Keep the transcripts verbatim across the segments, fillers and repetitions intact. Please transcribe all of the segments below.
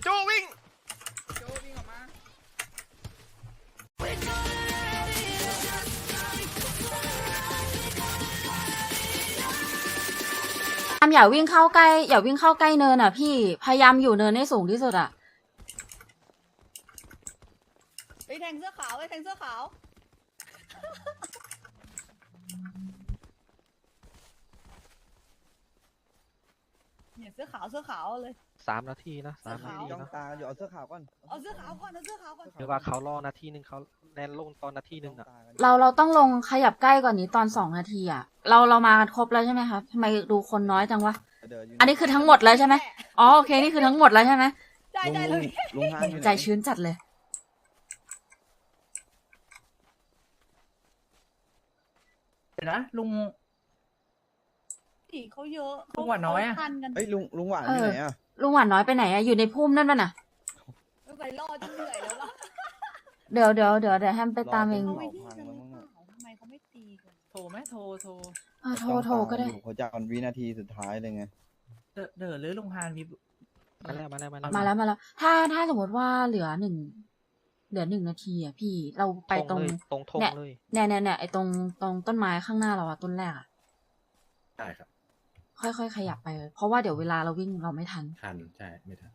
โจวิ่งโจวิ่งออกมาอย่าวิ่งเข้าใกล้อย่าวิ่งเข้าใกล้เนินอ่ะพี่พยายามอยู่เนินให้สูงที่สุดอ่ะไปแทงเสื้อขาวไปแทงเสื้อขาวเนี่ยเสื้อขาวเสื้อขาวเลยสามนาทีนะสามนาทีจ้องนะตาอยู่เอาเสื้อขาวก่อนเอาเสื้อขาวก่อนเอาเสื้อขาวก่อนหรือว่าเขารอนาทีหนึ่งเขาแลนลงตอนนาทีหนึ่งอ่ะเราเราต้องลงขยับใกล้กว่านี้ตอนสองนาทีอ่ะเราเรามากันครบแล้วใช่ไหมครับทำไมดูคนน้อยจังวะอันนี้คือทั้งหมดแล้วใช่ไหมอ๋อโอเคนี่คือทั้งหมดแล้วใช่ไหมได้ได้เลยลุงฮานอยู่ไหนใจชื้นจัดเลยเดี๋ยวนะลุงผีเขาเยอะลุงหวานน้อยอะเขทันกันเฮ้ยลุงลุงหวานอยู่ไหนอ่ะลุงหวานน้อยไปไหนอะอยู่ในพุ่มนั่นป่ะน่ะไปรอจนเหนื่อยแล้วล่ะเดี๋ยวเดี๋ยวเดี๋ยวเดี๋ยวแฮมไปตามเองเขาไม่ที่กันหรือเปล่าทำไมเขาไม่ตีกันโทรไหมโทรโทรอ่ะโทรโทรก็ได้เขาจะเอาวินาทีสุดท้ายเลยไงเดอเดอหรือลุงฮานมีมาแล้วมาแล้วมาแล้วมาแล้วมาแล้ว ถ้าถ้าสมมติว่าเหลือหนึ่งเหลือหนึ่งนาทีอ่ะพี่เราไปตรงเลยตรงทงเนี่ยเลยเนี่ยเนี่ยเนี่ยไอ้ตรงตรงต้นไม้ข้างหน้าเราอะต้นแรกอะใช่ครับค่อยๆขยับไปเพราะว่าเดี๋ยวเวลาเราวิ่งเราไม่ทันทันใช่ไม่ทัน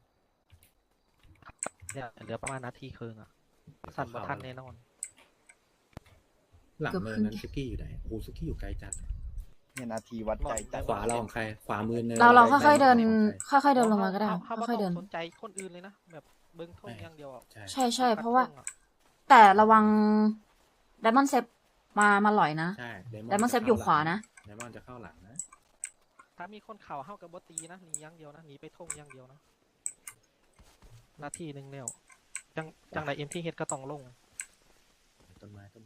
เนี่ยเหลือประมาณนาทีครึ่งอ่ะสั่นบ่ทันแน่นอนหลังเกือบเนินครึ่งนั้นซุกี้อยู่ไหนโอ้ซุกี้อยู่ไกลจัดเนี่ยนาทีวัดใจจัดขวาเราของใครขวามือเนินเราเราซ้ค่อยๆเดินของใครค่อยๆเดินลงมาก็ได้เขาเขาค่อยๆไม่เดิต้อน งสนใจคนอื่นเลยนะแบบเบิ้งทงอย่างเดียวอ่ะใช่ใช่ใช่เพราะว่าทงอแต่ระวังไดมอนเซฟมามาหลอยนะใช่ไดมอนเซฟอยู่ขวานะไดมอนจะเข้าหลังนะถ้ามีคนเข่าเข้ากับบตีนะหนีอย่างเดียวนะหนีไปทงอย่างเดียวนะนาทีหนึ่งแล้วจังจังไรเอ็มที่เฮ็ดก็ต้องลงต้นไม้ต้นไม้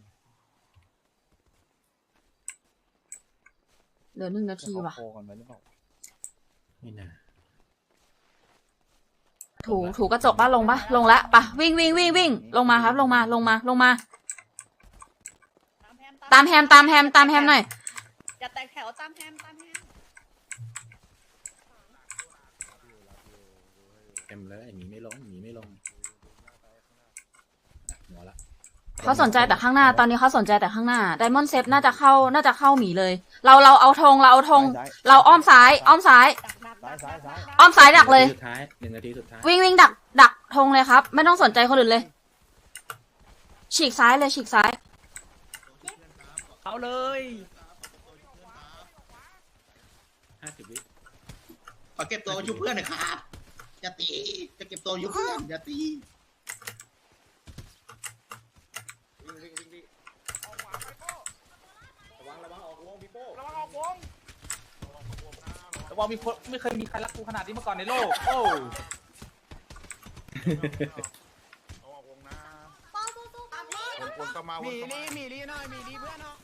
เหลือหนึ่งนาทีว่ะโคกันไว้หรือเปล่าไม่น่าถูถูกระจกป่ะลงป่ะลงละปะวิ่งวิ่งวิ่งวิ่งลงมาครับ ลงมาลงมาลงมา ตามแฮมตามแฮมตามแฮมหน่อยอย่าแตกแถวตามแฮมตามแฮมเต็มเลยหนีไม่ลงหนีไม่ลงหัวละเขาสนใจแต่ข้างหน้าตอนนี้เขาสนใจแต่ข้างหน้าไดมอนด์เซฟน่าจะเข้าน่าจะเข้าหมีเลย เราเราเอาธงเราเอาธงเราอ้อมซ้ายอ้อมซ้ายดักดักซ้ายดักซ้ายซ้ายอ้อมซ้ายดักเลยสุดท้ายหนึ่งนาทีสุดท้ายวิ่งวิ่งดักดักธงเลยครับ ไม่ต้องสนใจคนอื่นเลย ฉีกซ้ายเลยฉีกซ้ายเขาเลยห้าสิบวิขอเก็บตัวยุบเพื่อนหน่อยครับอย่าตีจะเก็บตัวยุบเพื่อนอย่าตีแต่ว่ามีคนไม่เคยมีใครรักกูขนาดนี้มาก่อนในโลกโอ้มีลีมีลีหน่อยมีลีเพื่อนเนาะ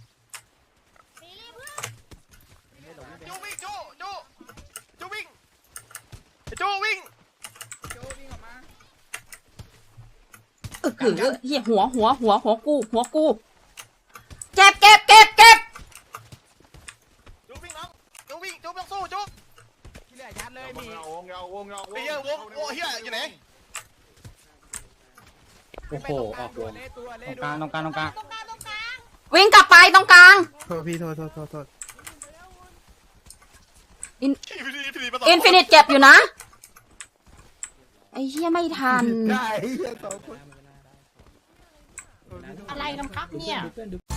โจวิ่งโจโจโจวิ่งโจวิ่งโจวิ่งออกมาเออคือเหี้ยหัวหัวหัวหัวกูหัวกูเก็บเก็บเก็บเก็บโจวิ่งน้องโจวิ่งโจต้องสู้โจที่เหลือยัดเลยมีเงาเงาเงาไอ้เหี้ยวงโอ้เหี้ยอยู่ไหนโอ้โหออกวงตัวเล่ตรงกลางตรงกลางตรงกลางตรงกลางตรงกลางวิ่งกลับไปตรงกลางโทษพี่โทษโทษโทษโทษอินอินฟินิตเก็บอยู่นะไอ้เหี้ยไม่ทันได้เหี้ยสองคนอะไรน้ำพักเนี่ย